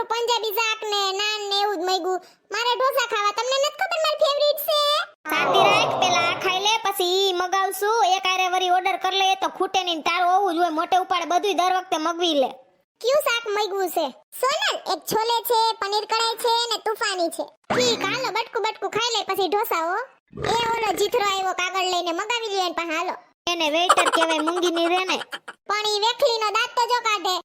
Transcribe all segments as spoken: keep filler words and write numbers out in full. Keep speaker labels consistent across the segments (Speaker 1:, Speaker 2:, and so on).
Speaker 1: આખું પંજાબી શાક ને નાન ને એવું જ મગ્યું. મારે ઢોસા ખાવા, તમને નથી ખબર મારી ફેવરિટ છે.
Speaker 2: શાંતિ રાખ, પેલા આ ખાઈ લે પછી ઈ મગાવશું. એક આરે વરી ઓર્ડર કર લે તો ખૂટે નહીં. તારું હોવું જોઈએ મોટે ઉપાડે બધુંય દર વખતે મગવી લે.
Speaker 1: કયું શાક મગ્યું છે? સોનલ, એક છોલે છે, પનીર કઢાઈ છે ને તૂફાની છે. ઠીક, હાલો બટકું બટકું ખાઈ લે પછી ઢોસા હો. એ ઓલો જીથરો આવ્યો કાગળ લઈને, મગાવી લ્યો એન પાસે. હાલો.
Speaker 2: એને વેઇટર કહેવાય, મૂંગી ની રે ને.
Speaker 1: પણ ઈ વેખલીનો દાંત તો જો કાઢે.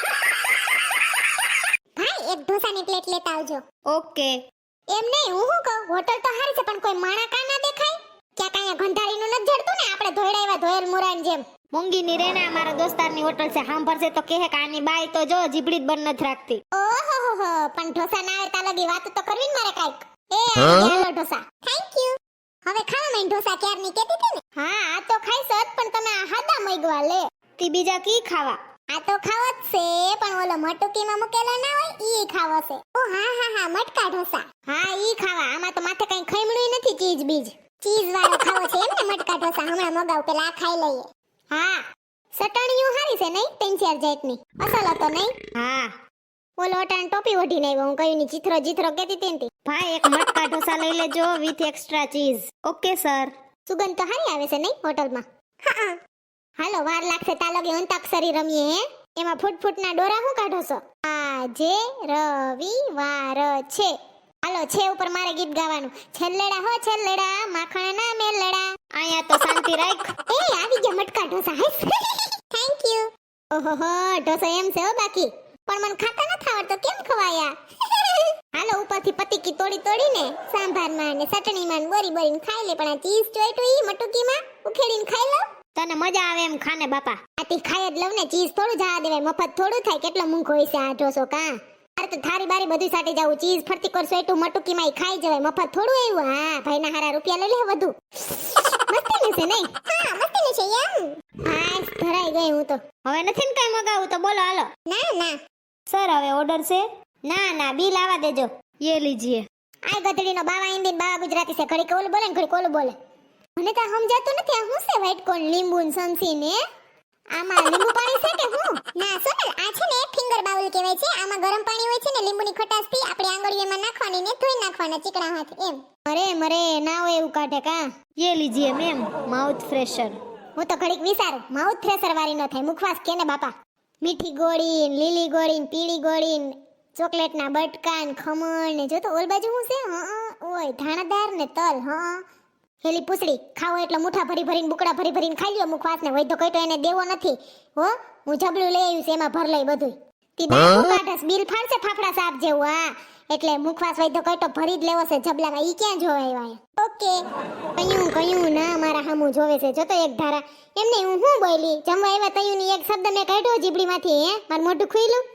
Speaker 1: ભાઈ એક ઢોસાની પ્લેટ લેતા આવજો.
Speaker 2: ઓકે.
Speaker 1: એમ નહીં, હું શું કહું, હોટલ તો હારી છે પણ કોઈ માણા કા ના દેખાય? ક્યાંક અહીંયા ગંધારીનું નથી જડતું ને, આપણે ધોઈડાવ્યા ધોયેલ મુરાન જેમ.
Speaker 2: મૂંગી ની રે ને, અમારા દોસ્તારની હોટલ છે. સાંભળશે તો કહે કે આની બાઈ તો જો જીબડી જ બંધ નથી રાખતી.
Speaker 1: ઓહો હો હો, પણ ઢોસા ના આવે તા લગી વાત તો કરવી ને મારે કાઈક. એ હાલો ઢોસા. Thank you. હવે ખાવા માં ઢોસા ક્યારની કેતી હતી ને? હા, આ તો ખાઈશ જ, પણ તમે આ હાદા મગવા લે.
Speaker 2: તી બીજા કી ખાવા?
Speaker 1: આ તો ખાવો જ છે, પણ ઓલો મટુકીમાં મૂકેલો ના હોય ઈ ખાવો છે. ઓ હા હા હા, મટકા ઢોસા. હા, ઈ ખાવા. આમાં તો માથે કઈ ખઈમડું નથી, ચીઝ બીજ. ચીઝ વાળો ખાવો છે એમ ને મટકા ઢોસા? હમણાં મગાવ, પેલા આ ખાઈ લઈએ. હા, સટણીયું હારી છે નહીં? ત્રણ ચાર જાતની. અસલ હતો નહીં?
Speaker 2: હા.
Speaker 1: ઓલો અટાણ ટોપી ઓઢીને આવ્યો, હું કયું ની ચિત્રો ચિત્રો કેતી હતી ને.
Speaker 2: ભાઈ એક મટકા ઢોસા લઈ લેજો with extra cheese. Okay sir.
Speaker 1: સુગંધ તો હારી આવે છે નહીં હોટલમાં? હા. હાલો, વાર લાગશે તા લગી અંતાક્ષરી રમીએ હે. એમાં ફૂટ ફૂટના ડોરા હું કાઢો છો? આજે રવિવાર છે. હાલો, છે ઉપર મારે ગીત ગાવાનું. છેલ્લેડા હો છેલ્લેડા, માખણ ના મેલડા.
Speaker 2: અહીંયા તો શાંતિ રાખ.
Speaker 1: એ આવી ગયા મટકા ઢોસા. Thank you. ઓહોહો, ઢોસો એમ છે હો બાકી. પણ મને ખાતા નથી આવડતો, કેમ ખવાયા? હાલો, ઉપરથી પતીકી તોડી તોડીને સાંભારમાં ને ચટણીમાં બોરી બોરીને ખાઈ લે. પણ આ ચીઝ ચોઈટું ઈ મટુકીમાં ઉખેડીને ખાઈ લો.
Speaker 2: તને મજા આવે એમ ખાને બાપા.
Speaker 1: આથી ખાઈ જ લઉં ને, ચીઝ થોડું જવા દેવાય. મફત થોડું થાય, કેટલો મૂંઘો હોય છે આ ઢોસો કા. અરે તો થારી બારી બધું સાટી જાવું. ચીઝ ફરતી કર સોઈટું મટુકીમાં ઈ ખાઈ જવાય. મફત થોડું આવ્યું. હા, ભાઈના હારા રૂપિયા લઈ લે વધુ. મસ્તી છે નહીં? હા, મસ્તી છે એમ. હા, ધરાઈ ગઈ હું તો.
Speaker 2: હવે નથી ને કઈ મગાવું તો બોલો હાલો.
Speaker 1: ના ના
Speaker 2: સર હવે ઓર્ડર છે?
Speaker 1: ના ના, બિલ આવા દેજો.
Speaker 2: ये लीजिए.
Speaker 1: આ ગધડીનો બાવા હિન્દી બાવા ગુજરાતી છે. ઘડી કોલ બોલે ને ઘડી કોલ બોલે. મને તો સમજાતું નથી આ શું છે વ્હાઈટ કોર્ન લીંબુ ને સંસી ને. આમાં લીંબુ પાણી છે કે હું? ના સોનલ, આ છે ને ફિંગર બાઉલ કહેવાય છે. આમાં ગરમ પાણી હોય છે ને, લીંબુની ખટાશ થી આપણે આંગળીઓમાં નાખવાની ને ધોઈ નાખવાના ચીકણા હાથ એમ.
Speaker 2: અરે મરે ના હોય એવું કાઢે કા. ये लीजिए मैम माउथ फ्रेशर.
Speaker 1: હું તો ઘડીક વિચારું, માઉથ ફ્રેશર વાળી ન થાય, મુખવાસ કેને બાપા. મીઠી ગોળી ને લીલી ગોળી ને પીળી ગોળી ને ચોકલેટના બટકા ને ખમણ ને જો તો ઓલ બાજુ હું છે. હા ઓય ધાણાદાર ને તલ. હા હેલી પૂછડી ખાવો એટલે મુઠ્ઠા ભરી ભરીને બુકડા ભરી ભરીને ખાઈ લ્યો. મુખવાસ ને વૈધો કઈ તો એને દેવો નથી હો. હું જબલું લઈ આવ્યું છે, એમાં ભર લઈ બધું. તી દાંત કાઢસ, બિલ ફાડશે ફાફડા સાપ જેવું. હા, એટલે મુખવાસ વૈધો કઈ તો ભરી જ લેવો છે જબલામાં. ઈ ક્યાં જોવે આવ્યા? ઓકે. કયું કયું ના મારા હામું જોવે છે જો તો એક ધારા. એમને હું હું બોલી જમવા આવ્યા તયું ની એક શબ્દ મેં કાઢ્યો જીબડીમાંથી. હે મારું મોઢું ખુઈલું.